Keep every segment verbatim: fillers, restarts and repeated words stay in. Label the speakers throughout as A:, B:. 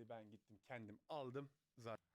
A: gelmedi. Ben gittim kendim aldım. Zaten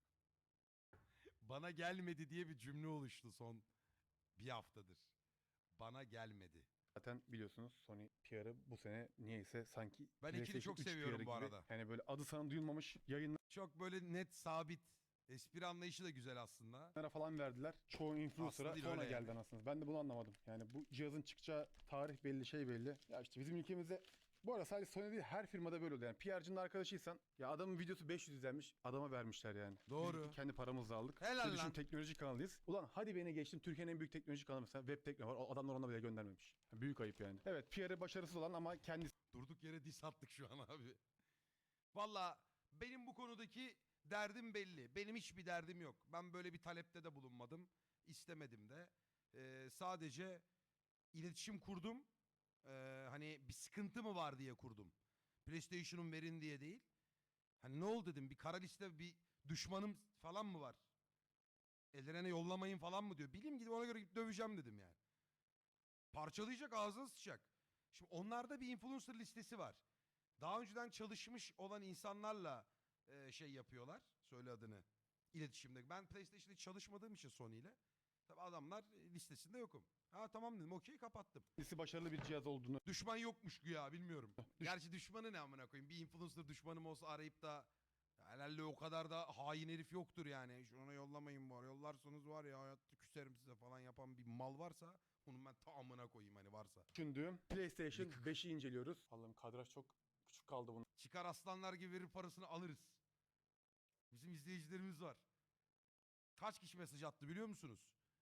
B: Bana gelmedi diye bir cümle oluştu son bir haftadır. Bana gelmedi.
A: biliyorsunuz Sony P R'ı bu sene niyeyse sanki
B: Ben ikili
A: PlayStation
B: çok
A: üç
B: seviyorum
A: P R'ı
B: bu
A: gibi.
B: arada.
A: Yani böyle adı sana duyulmamış yayınlara
B: Çok böyle net, sabit. Espri anlayışı da güzel aslında.
A: falan verdiler. Çoğu influencer'a
B: değil,
A: sonra
B: öyle
A: geldi
B: yani.
A: anasınız. Ben de bunu anlamadım. Yani bu cihazın çıkacağı tarih belli, şey belli. Ya işte bizim ülkemizde bu arada sadece Sony değil, her firmada böyle oluyor. Yani P R'cının arkadaşıysan ya adamın videosu beş yüz izlenmiş, adama vermişler yani.
B: Doğru.
A: Biz kendi paramızla aldık.
B: Helal
A: Bir düşün,
B: lan.
A: teknoloji kanalıyız. Ulan hadi beni geçtim, Türkiye'nin en büyük teknoloji kanalı mesela Web Tekno var. O adamlar ona bile göndermemiş. Yani büyük ayıp yani. Evet, P R'ı başarısız olan ama kendisi
B: Durduk yere diss attık şu an abi. Valla benim bu konudaki derdim belli. Benim hiçbir derdim yok. Ben böyle bir talepte de bulunmadım. İstemedim de. Ee, sadece iletişim kurdum. Ee, hani bir sıkıntı mı var diye kurdum. PlayStation'un verin diye değil. Hani ne oldu dedim, bir kara liste, bir düşmanım falan mı var? Ellerine yollamayın falan mı diyor. Bileyim, gidip ona göre gidip döveceğim dedim yani. Parçalayacak, ağzına sıçacak. Şimdi onlarda bir influencer listesi var. Daha önceden çalışmış olan insanlarla e, şey yapıyorlar. Söyle adını. İletişimde. Ben PlayStation'da çalışmadığım için Sony ile. Tabi adamlar listesinde yokum. Ha tamam dedim, okey, kapattım.
A: başarılı bir cihaz olduğunu
B: Düşman yokmuş güya, bilmiyorum.
A: Düş-
B: Gerçi düşmanı ne amına koyayım. Bir influencer düşmanım olsa arayıp da ya herhalde o kadar da hain herif yoktur yani. Şuna yollamayın var. Yollarsanız var ya hayatta küserim size falan yapan bir mal varsa onun ben ta amına koyayım hani varsa.
A: düşündüğüm PlayStation
B: Yıkık.
A: beşi inceliyoruz. Allah'ım, kadraj çok küçük kaldı bunun.
B: Çıkar aslanlar gibi verir parasını alırız. Bizim izleyicilerimiz var. Kaç kişi mesaj attı biliyor musunuz?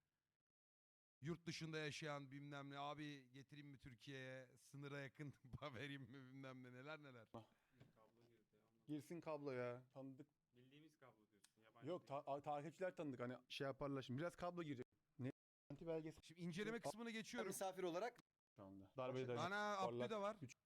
B: Yurt dışında yaşayan bilmem ne, abi getireyim mi Türkiye'ye, sınıra yakın vereyim mi bilmem ne, neler neler.
C: Kablo girdi ama.
A: Girsin kablo ya. Tanıdık.
C: Bildiğimiz kablo diyorsun. Yabancı
A: Yok,
C: değil.
A: ta- takipçiler tanıdık, hani şey yaparlar şimdi. Biraz kablo girecek. Ne? Anti belgesi
B: Şimdi inceleme kısmına geçiyorum.
D: Misafir olarak
A: şu anda. Darbeyi de
B: Ana Abdü de var.
A: Güç-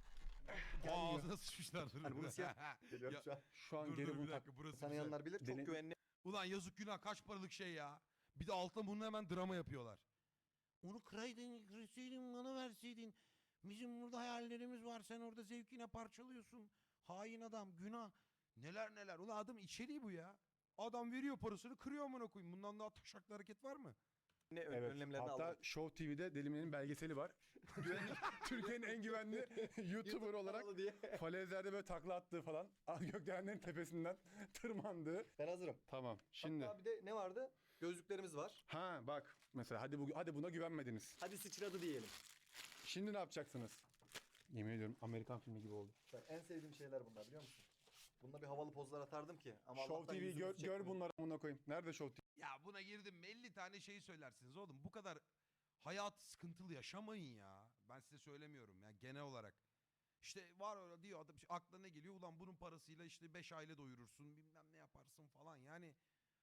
B: Aa, ağzına sıçmışlar.
D: Yani bunu siyah geliyorum
B: Ya,
D: şu an.
A: şu an
B: dur
A: geri
B: dur
A: bunu
B: bir
A: tak.
B: dakika, burası güzel.
D: Tanıyanlar bilir. Çok
A: Dene-
D: güvenli.
B: Ulan yazık günah, kaç paralık şey ya. Bir de altına bunu hemen drama yapıyorlar. Onu kıraydın, kırsaydın, bana verseydin. Bizim burada hayallerimiz var, sen orada zevkine parçalıyorsun. Hain adam, günah. Neler neler. Ulan adam içeriği bu ya. Adam veriyor parasını, kırıyor amına koyayım. Bundan daha taşaklı hareket var mı?
D: Ne ön-
A: Evet.
D: önlemlerini
A: Hatta
D: aldık.
A: Show T V'de Delime'nin belgeseli var. Türkiye'nin en güvenli YouTuber olarak
D: kanalı diye.
A: falezlerde böyle takla attığı falan. Gökdelenlerin tepesinden tırmandığı.
D: Ben hazırım.
A: Tamam. Şimdi
D: Hatta bir de ne vardı? Gözlüklerimiz var.
A: ha bak mesela, hadi bu hadi buna güvenmediniz.
D: Hadi sıçradı diyelim.
A: Şimdi ne yapacaksınız? Yemin ediyorum Amerikan filmi gibi oldu.
D: Ben en sevdiğim şeyler bunlar, biliyor musun? Bununla bir havalı pozlar atardım ki. Ama
A: Show
D: Allah'tan
A: T V'yi
D: yüzümüzü
A: gör, gör
D: çekmiyor.
A: bunları amına koyayım. Nerede Show T V?
B: Ya buna girdim mi elli tane şey söylersiniz oğlum. Bu kadar hayat sıkıntılı yaşamayın ya. Ben size söylemiyorum ya, genel olarak. İşte var öyle diyor adam, işte aklına ne geliyor? Ulan bunun parasıyla işte beş aile doyurursun, bilmem ne yaparsın falan yani.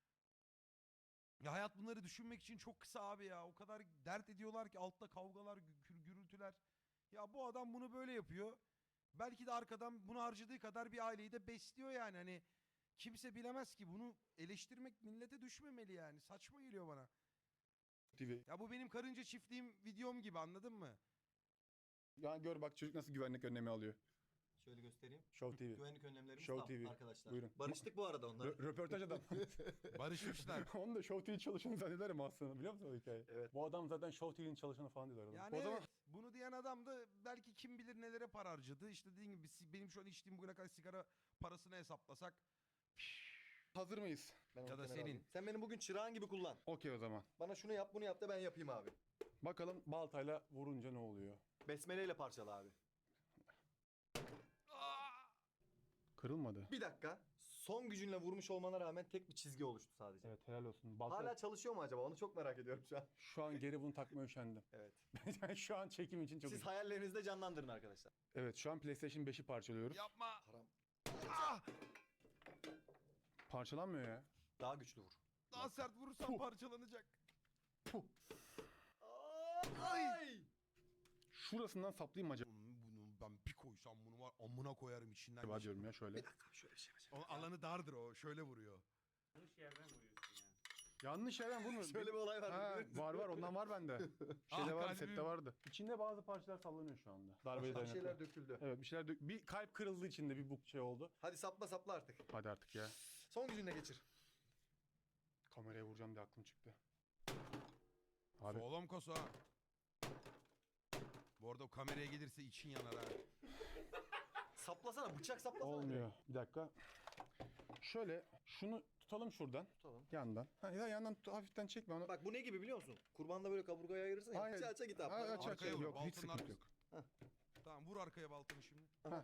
B: Ya hayat bunları düşünmek için çok kısa abi ya. O kadar dert ediyorlar ki, altta kavgalar, gü- gürültüler. Ya bu adam bunu böyle yapıyor. Belki de arkadan bunu harcadığı kadar bir aileyi de besliyor yani. Hani kimse bilemez ki, bunu eleştirmek millete düşmemeli yani. Saçma geliyor bana.
A: T V.
B: Ya bu benim karınca çiftliğim videom gibi, anladın mı?
A: Ya gör bak, çocuk nasıl güvenlik önlemi alıyor.
D: Şöyle göstereyim.
A: Show T V.
D: Güvenlik önlemlerimiz
A: Show
D: tam
A: T V.
D: arkadaşlar.
A: Buyurun.
D: Barıştık bu arada onlarla.
A: Rö- röportaj adam.
B: Barışmışlar.
A: Onu da Show T V çalışanı zannederim aslında, biliyor musun o hikayeyi?
D: Evet.
A: Bu adam zaten Show T V'nin çalışanı falan diyorlar. adama.
B: Yani
A: o
B: evet,
A: zaman
B: bunu diyen adam da belki kim bilir nelere para harcadı. İşte dediğim gibi si- benim şu an içtiğim bugüne kadar sigara parasını hesaplasak.
A: hazır mıyız?
D: Ben onu
B: Ya da
D: kenara
B: senin.
D: alayım. Sen beni bugün çırağın gibi kullan.
A: Okey o zaman.
D: Bana şunu yap bunu yap da ben yapayım abi.
A: Bakalım baltayla vurunca ne oluyor?
D: Besmeleyle parçala abi.
A: Kırılmadı.
D: Bir dakika. Son gücünle vurmuş olmana rağmen tek bir çizgi oluştu sadece.
A: Evet, helal olsun. Balta...
D: Hala çalışıyor mu acaba? Onu çok merak ediyorum şu an.
A: Şu an geri bunu takmaya üşendim.
D: Evet.
A: Yani şu an çekim için çok...
D: Siz hayallerinizde canlandırın arkadaşlar.
A: Evet, şu an PlayStation beşi parçalıyoruz.
B: Yapma.
D: Haram.
B: Ah!
A: Parçalanmıyor ya.
D: Daha güçlü vur.
B: Daha sert vurursam
A: Puh.
B: parçalanacak.
A: Puh.
D: Ay!
A: Şurasından saplayayım mı acaba?
B: Bunu ben bir koysam bunu var amına koyarım içinden.
A: Acaba
B: geçer.
A: diyorum ya şöyle.
D: Bir dakika şöyle bir şey yapacağım.
B: O alanı dardır o. Şöyle vuruyor.
C: Yanlış yerden vuruyorsun ya.
A: Yanlış yerden vurmuyorum.
D: Şöyle bir olay var.
A: Ha,
D: biliyor musun?
A: var var ondan var bende. Şeyde
B: Ah,
A: vardı,
B: kalbim.
A: sette vardı. İçinde bazı parçalar sallanıyor şu anda. Darbeye
D: Bir
A: dayanıklı.
D: şeyler döküldü.
A: Evet bir şeyler dök- bir kalp kırıldı içinde bir bu şey oldu.
D: Hadi sapla sapla artık.
A: Hadi artık ya.
D: Son gücünle geçir.
A: Kameraya vuracağım diye aklım çıktı. Abi
B: Sağlam kasa ha. Bu arada o kameraya gelirse için yanar ha.
D: Saplasana, bıçak saplasana.
A: olmuyor. Bir dakika. Şöyle şunu tutalım şuradan.
D: Tutalım.
A: Yandan. Ha, ya yandan tut- hafiften çekme onu.
D: Bak bu ne gibi biliyor musun? Kurbanda böyle kaburgaya ayırırsın ya.
A: Aynen.
D: Aça aça git abi.
A: Ha, aç aç
B: Arkaya vur,
A: yok hiç
B: balkonun
A: sıkıntı yok.
B: Tamam vur arkaya baltanı şimdi.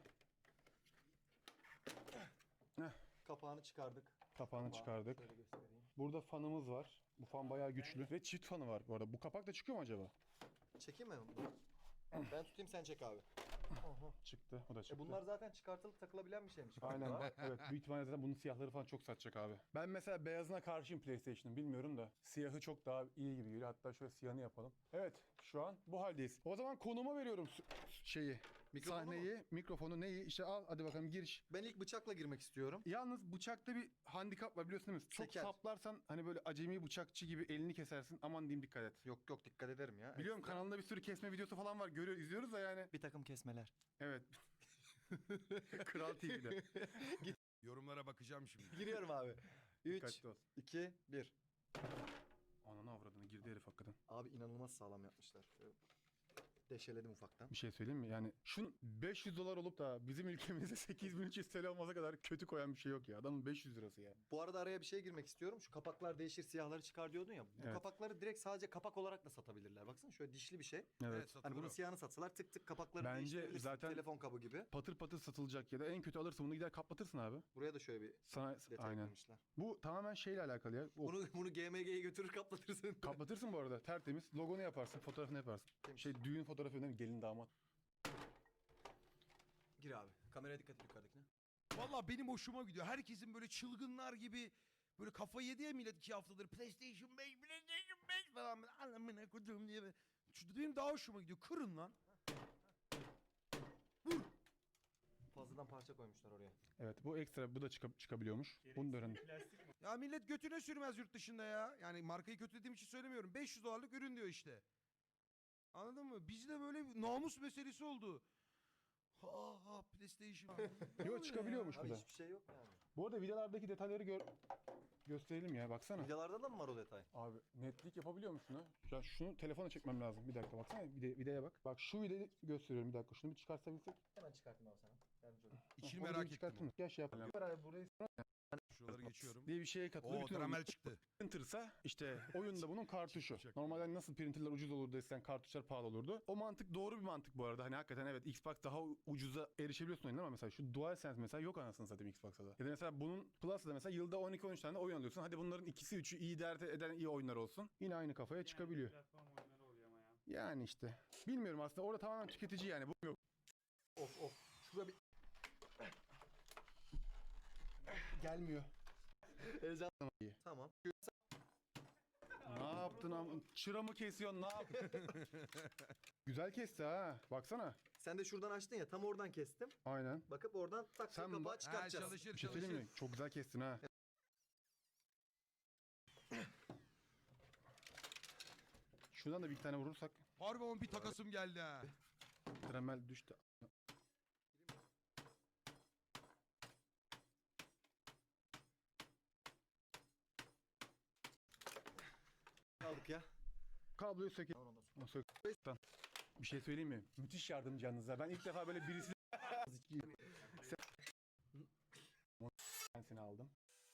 D: Kapağını çıkardık.
A: Kapağını
D: Kapağı
A: çıkardık.
D: Şöyle göstereyim.
A: Burada fanımız var. Bu fan bayağı güçlü. Ve çift fanı var bu arada. Bu kapak da çıkıyor mu acaba?
D: Çekeyim mi? Ben tutayım sen çek abi.
A: Çıktı. O da
D: E
A: çıktı.
D: bunlar zaten çıkartılıp takılabilen bir şeymiş.
A: Aynen.
D: Var.
A: Evet. Büyük ihtimalle zaten bunun siyahları falan çok satacak abi. Ben mesela beyazına karşıyım PlayStation'ın. Bilmiyorum da. Siyahı çok daha iyi gibi geliyor. Hatta şöyle siyahını yapalım. Evet. Şu an bu haldeyiz. O zaman konuma veriyorum su- şeyi.
D: Mikrofonu
A: Sahneyi, mikrofonu, neyi? İşte al hadi bakalım giriş.
D: Ben ilk bıçakla girmek istiyorum.
A: Yalnız bıçakta bir handikap var biliyorsun değil mi? Çok
D: Seker.
A: saplarsan hani böyle acemi bıçakçı gibi elini kesersin. Aman diyeyim dikkat et.
D: Yok yok dikkat ederim ya.
A: Biliyorum kanalında bir sürü kesme videosu falan var. Görüyor, izliyoruz da yani.
D: Bir takım kesmeler.
A: Evet. Kral T V'de.
B: Yorumlara bakacağım şimdi.
D: Giriyorum abi. üç,
A: Dikkatli ol.
D: iki, bir.
A: Ananı avradını girdi herif hakikaten.
D: Abi inanılmaz sağlam yapmışlar. Şöyle deşeledim ufaktan.
A: Bir şey söyleyeyim mi? Yani şunun beş yüz dolar olup da bizim ülkemizde sekiz bin üç yüz T L olmasa kadar kötü koyan bir şey yok ya. Adamın beş yüz lirası ya.
D: Bu arada araya bir şey girmek istiyorum. Şu kapaklar değişir, siyahları çıkar diyordun ya. Bu
A: Evet.
D: kapakları direkt sadece kapak olarak da satabilirler. Baksana şöyle dişli bir şey.
A: Evet.
B: Evet, satılır
D: Hani bunun
B: o.
D: siyahını satsalar tık tık kapakları
A: Bence
D: değiştirebilirsin.
A: zaten-
D: Telefon kabı gibi.
A: Patır patır satılacak ya da en kötü alırsın bunu gider kapatırsın abi.
D: Buraya da şöyle bir
A: Sana
D: detay
A: aynen.
D: koymuşlar.
A: Bu tamamen şeyle alakalı ya. O,
D: Bunu bunu G M G'ye götürür kaplatırsın.
A: kapatırsın bu arada tertemiz. Logonu yaparsın, fotoğrafını yaparsın.
D: Temiz.
A: Şey düğün fotoğrafı önemli, gelin damat.
D: Gir abi. Kameraya dikkat et yukarıdakine.
B: Valla benim hoşuma gidiyor. Herkesin böyle çılgınlar gibi böyle kafayı yedi ya millet iki haftadır PlayStation beş, PlayStation beş falan böyle anlamına koyduğum diye. böyle. Şu benim daha hoşuma gidiyor. Kırın lan.
D: Fazladan parça koymuşlar oraya.
A: Evet bu ekstra bu da çıka- çıkabiliyormuş. Bunu da öğrendim.
C: Plastik mi?
B: Ya millet götüne sürmez yurt dışında ya. Yani markayı kötülediğim için söylemiyorum. beş yüz dolarlık ürün diyor işte. Anladın mı? Bizde böyle bir namus meselesi oldu. Ha ha PlayStation.
A: Yok çıkabiliyormuş bu
D: Abi
A: da.
D: hiçbir şey yok yani.
A: Bu arada vidalardaki detayları gör gösterelim ya baksana.
D: Videolarda da mı var o detay?
A: Abi netlik yapabiliyor musun ha? Ya şunu telefona çekmem lazım. Bir dakika baksana vide, videoya bak. Bak şu videoyu gösteriyorum bir dakika. Şunu bir çıkartabilsek.
D: Hemen çıkartayım abi sana. Yardımcı olayım.
B: İçini
A: Onu bir
B: merak ettim.
A: çıkartın. Gel şey yapalım. Burayı
B: Şuraları geçiyorum.
A: diye bir şeye katılıyor.
B: Oo
A: Bütün
B: tramel çıktı.
A: printer'sa işte oyunda bunun kartuşu.
B: Çok
A: Normalde nasıl printer'lar ucuz olurdu eskiden kartuşlar pahalı olurdu. O mantık doğru bir mantık bu arada. Hani hakikaten evet Xbox daha ucuza erişebiliyorsun oyunlara ama mesela şu DualSense mesela yok anasını satayım Xbox'ta da. Ya da mesela bunun Plus'ta da mesela yılda on iki on üç tane oyun alıyorsun. Hadi bunların ikisi üçü iyi dert eden iyi oyunlar olsun. Yine aynı kafaya
C: Yani
A: çıkabiliyor.
C: Platform oyunları oluyor ama ya.
A: Yani işte. Bilmiyorum aslında orada tamamen tüketici yani. Bu yok.
D: Of of. Şurada bir
A: Gelmiyor.
D: heyecan. Tamam.
A: Ne yaptın am? Çıra mı kesiyorsun? Ne yaptın? Güzel kesti ha. Baksana.
D: Sen de şuradan açtın ya tam oradan kestim.
A: Aynen.
D: Bakıp oradan tak
A: Sen
D: tak kapağı
A: bak-
B: Ha
D: çıkartacağız.
B: çalışır
A: Bir şey
B: çalışır.
A: söyleyeyim mi? Çok güzel kestin ha. Şuradan da bir iki tane vurursak
B: Harbi ama bir takasım geldi ha.
A: Dremel düştü.
D: Aldık ya.
A: Kabloyu sökelim.
D: Tamam, ondan sonra.
A: O sök. Lan. Bir şey söyleyeyim mi? Müthiş yardımcı yalnız ha. Ben ilk defa böyle birisi... Ben seni aldım.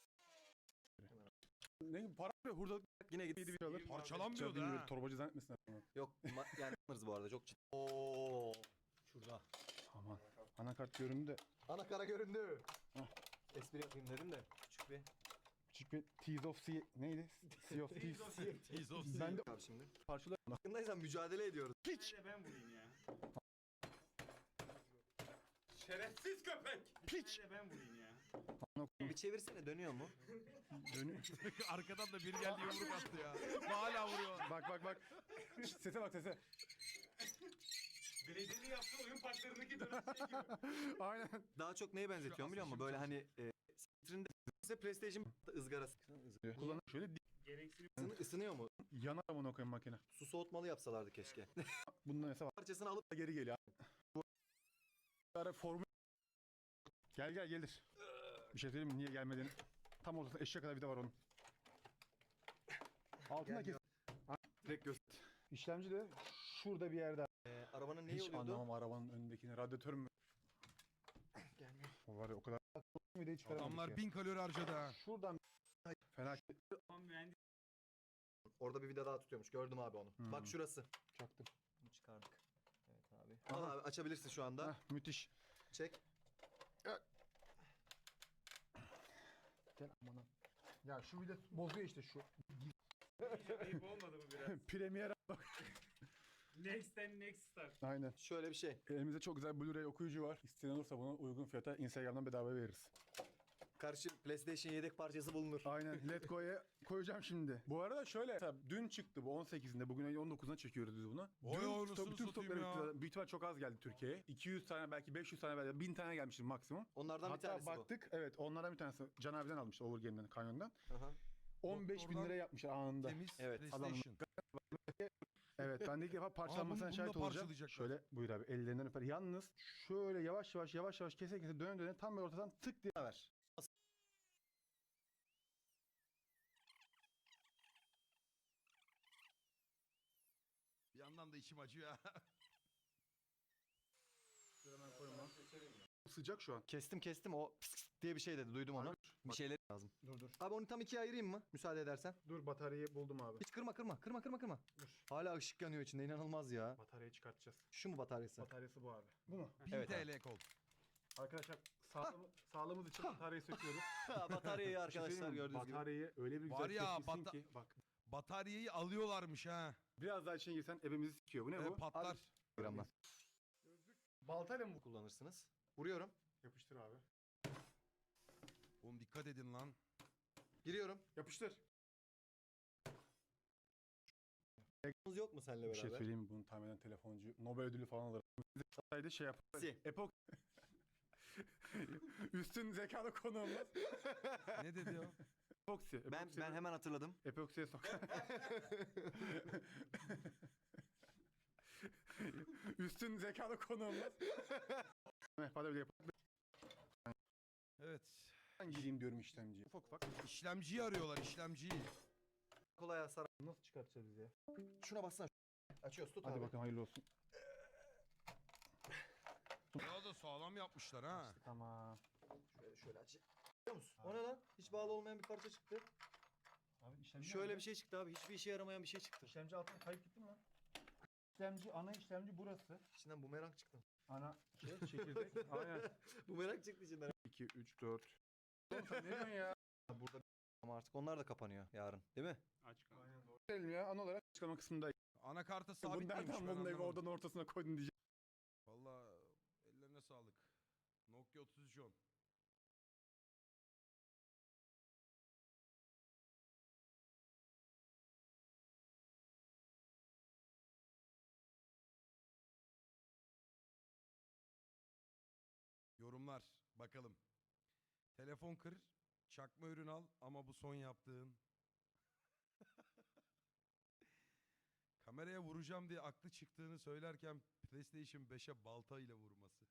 A: Ne para ve hurda
D: Yine git.
A: bir alır.
B: Parçalanmıyordu ha.
A: Torbacı zannetmesin adamı.
D: Yok ma- yani alırız bu arada çok ciddi. Oo. Şurada.
A: Aman. Anakart göründü de
D: Anakara göründü.
A: Hah.
D: Espri yapayım dedim de küçük bir.
A: küçük bir Tease of Sea neydi? Sea of Thieves.
B: Tease of
A: Ben de
D: Abi şimdi.
A: parçalar.
D: Farkındaysan mücadele ediyoruz.
A: Piç!
C: Bir de ben vurayım ya. Şerefsiz köpek!
A: Piç!
C: Bir de ben vurayım ya.
D: Bir çevirsene dönüyor mu?
A: Dönüyor.
B: Arkadan da biri geldi yumruk attı ya. Hala vuruyor.
A: Bak bak bak. Sese bak sese.
C: Belediyenin yaptığı oyun parklarındaki dönüş şey gibi.
A: Aynen.
D: Daha çok neye benzetiyorum biliyor musun?
B: asıl
D: Böyle
B: şimdi
D: hani e, Citrinde PlayStation ızgarası.
A: Kullanın şöyle dik.
C: Gereksinim.
D: Isını, ısınıyor mu?
A: Yanar amına koyayım makine.
D: Su soğutmalı yapsalardı keşke.
A: Bunda mesela
D: Parçasını alıp
A: geri geliyor. Bu ara formül gel gel gelir. Bir şey söyleyeyim mi? Niye gelmediğini. Tam ortasında eşek kadar vida var onun. Altında kes.
D: Gelmiyor. direkt göz.
A: İşlemci de şurada bir yerde.
D: Ee, arabanın neyi
A: Hiç
D: oluyordu?
A: anlamam arabanın önündekini. Radyatör mü?
D: Gelmiyor.
A: O var ya o kadar. Videoyu çıkaramadık
B: Adamlar
A: ya.
B: bin kalori harcadı ha.
A: Şuradan fena
C: Tamam mühendis.
D: Orada bir vida daha tutuyormuş. Gördüm abi onu.
A: Hmm.
D: Bak şurası.
A: çaktım.
D: Bunu çıkardık. Evet abi. Al abi açabilirsin şu anda.
A: Heh, müthiş.
D: Çek.
A: Gel amına. Ya şu vida bozuyor işte şu.
C: Ayıp olmadı mı biraz?
A: Premier
C: Next and next start.
A: aynen.
D: Şöyle bir şey.
A: Elimizde çok güzel Blu-ray okuyucu var. İsteyen olursa bunu uygun fiyata Instagram'dan bedava veririz.
D: Karşı PlayStation yedek parçası bulunur.
A: Aynen. Let Go'ya koyacağım şimdi. Bu arada şöyle. Mesela dün çıktı bu on sekizinde. Bugün ayın on dokuzuna çekiyoruz biz bunu.
B: Oy
A: Dün
B: oy,
A: stok-
B: nasıl
A: bütün
B: satayım
A: stokları
B: ya?
A: bitti. Büyük ihtimal çok az geldi Türkiye'ye. iki yüz tane belki beş yüz tane belki bin tane gelmiştir maksimum.
D: Onlardan bir
A: Hatta
D: tanesi
A: baktık evet onlardan bir tanesi Can abiden almıştı Overgame'den Kanyon'dan.
D: bu. Aha.
A: on beş bin
B: Doktordan
A: lira yapmışlar anında.
B: Temiz
D: Evet,
B: PlayStation.
A: Evet ben de ilk defa parçalanmasına
B: bunu da
A: şahit olacağım.
B: parçalayacaklar.
A: Şöyle buyur abi ellerinden öper. Yalnız şöyle yavaş yavaş yavaş yavaş kese kese döne döne tam böyle ortadan tık diye ver.
B: Bir yandan da içim acıyor ha.
A: Sıcak şu an.
D: Kestim kestim o pıs pıs diye bir şey dedi. Duydum onu. Bir şeyler lazım.
A: Dur dur.
D: Abi onu tam ikiye ayırayım mı? Müsaade edersen.
A: Dur bataryayı buldum abi.
D: Hiç kırma kırma kırma kırma kırma.
A: Dur.
D: Hala ışık yanıyor içinde inanılmaz ya.
A: Bataryayı çıkartacağız.
D: Şu mu bataryası?
A: Bataryası bu abi. Bu mu?
B: bin
D: Evet
B: T L kol.
A: Arkadaşlar sağlığımı, sağlığımız için bataryayı söküyoruz.
D: Bataryayı
A: Bir şey
D: arkadaşlar
A: söyleyeyim mi?
D: gördüğünüz gibi.
A: Bataryayı öyle bir güzel
B: Var ya,
A: kesmişsin
B: bata-
A: ki bak.
B: Bataryayı alıyorlarmış ha.
A: Biraz daha içine girsen ebemizi sikiyor. Bu ne
B: E,
A: bu?
B: patlar.
D: Gramla.
A: Baltayla mı bu?
D: Kullanırsınız. Vuruyorum.
A: Yapıştır abi.
B: Oğlum dikkat edin lan.
D: Giriyorum.
A: Yapıştır.
D: Telefonunuz yok mu seninle
A: Bir şey
D: beraber?
A: söyleyeyim mi? Bunu tahminen telefoncu Nobel ödülü falan alır. Sayede şey yapar.
D: Si.
A: Epok. Üstün zekalı konu olmaz.
B: Ne dedi o?
A: Epoksi.
D: Ben
A: Epoksi-
D: ben hemen hatırladım.
A: Epoksiye sok. Üstün zekalı konu olmaz. Hadi öyle yapalım.
B: Evet.
A: Ben gireyim diyorum işlemciye. Ufak ufak.
B: İşlemciyi arıyorlar işlemciyi.
D: Kolay hasar.
A: Nasıl çıkartacağız ya?
D: Şuna bassana. Açıyoruz tut
A: Hadi
D: abi.
A: bakalım hayırlı olsun.
B: Ya da sağlam yapmışlar ha.
A: Tamam.
D: Şöyle, şöyle aç. Biliyor musun? O ne lan? Hiç bağlı olmayan bir parça çıktı.
A: Abi işlemci
D: Şöyle bir şey çıktı abi. Hiçbir işe yaramayan bir şey çıktı.
A: İşlemci altına kayıp gitti mi lan? İşlemci, ana işlemci burası.
D: İçinden bumerang çıktı.
A: Ana şey çekirdek. Aynen.
D: Bumerang çıktı içinden.
A: iki, üç, dört. Oğlum sen ne diyorsun ya?
D: Burada ama artık onlar da kapanıyor yarın. Değil mi?
C: Aç kaldı.
A: Aynen doğru. Gelelim ya ana olarak açıklama kısmında.
B: Anakarta
A: Bunu
B: sabit değilmiş
A: nereden
B: ben
A: buldun evi
B: anlamadım.
A: oradan ortasına koydun diyeceğim.
B: Valla ellerine sağlık. Nokia otuz üç on. Yorumlar bakalım. Telefon kır, çakma ürün al ama bu son yaptığın. Kameraya vuracağım diye aklı çıktığını söylerken PlayStation beşe balta ile vurması.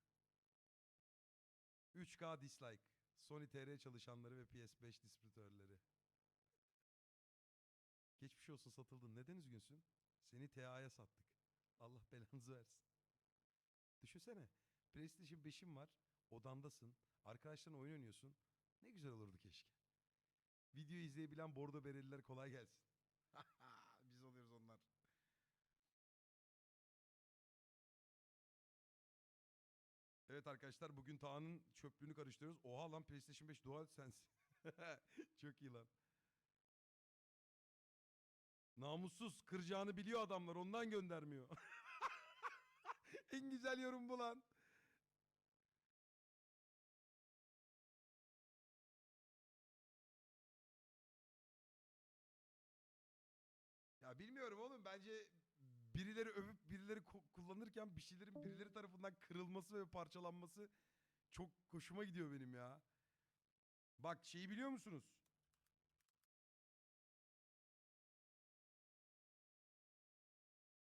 B: üç K dislike. Sony T R çalışanları ve P S beş distribütörleri. Geçmiş olsun satıldın. Neden üzgünsün? Seni T A'ya sattık. Allah belanızı versin. Düşünsene. PlayStation beşin var. Odandasın. Arkadaşlarınla oyun oynuyorsun. Ne güzel olurdu keşke. Video izleyebilen bordo bereliler kolay gelsin. Biz oluyoruz onlar. Evet arkadaşlar bugün Taha'nın çöplüğünü karıştırıyoruz. Oha lan PlayStation beş DualSense. Çok iyi lan. Namussuz kıracağını biliyor adamlar ondan göndermiyor. En güzel yorum bu lan. Ya bilmiyorum oğlum bence birileri övüp birileri ku- kullanırken bir şeylerin birileri tarafından kırılması ve parçalanması çok hoşuma gidiyor benim ya. Bak şeyi biliyor musunuz?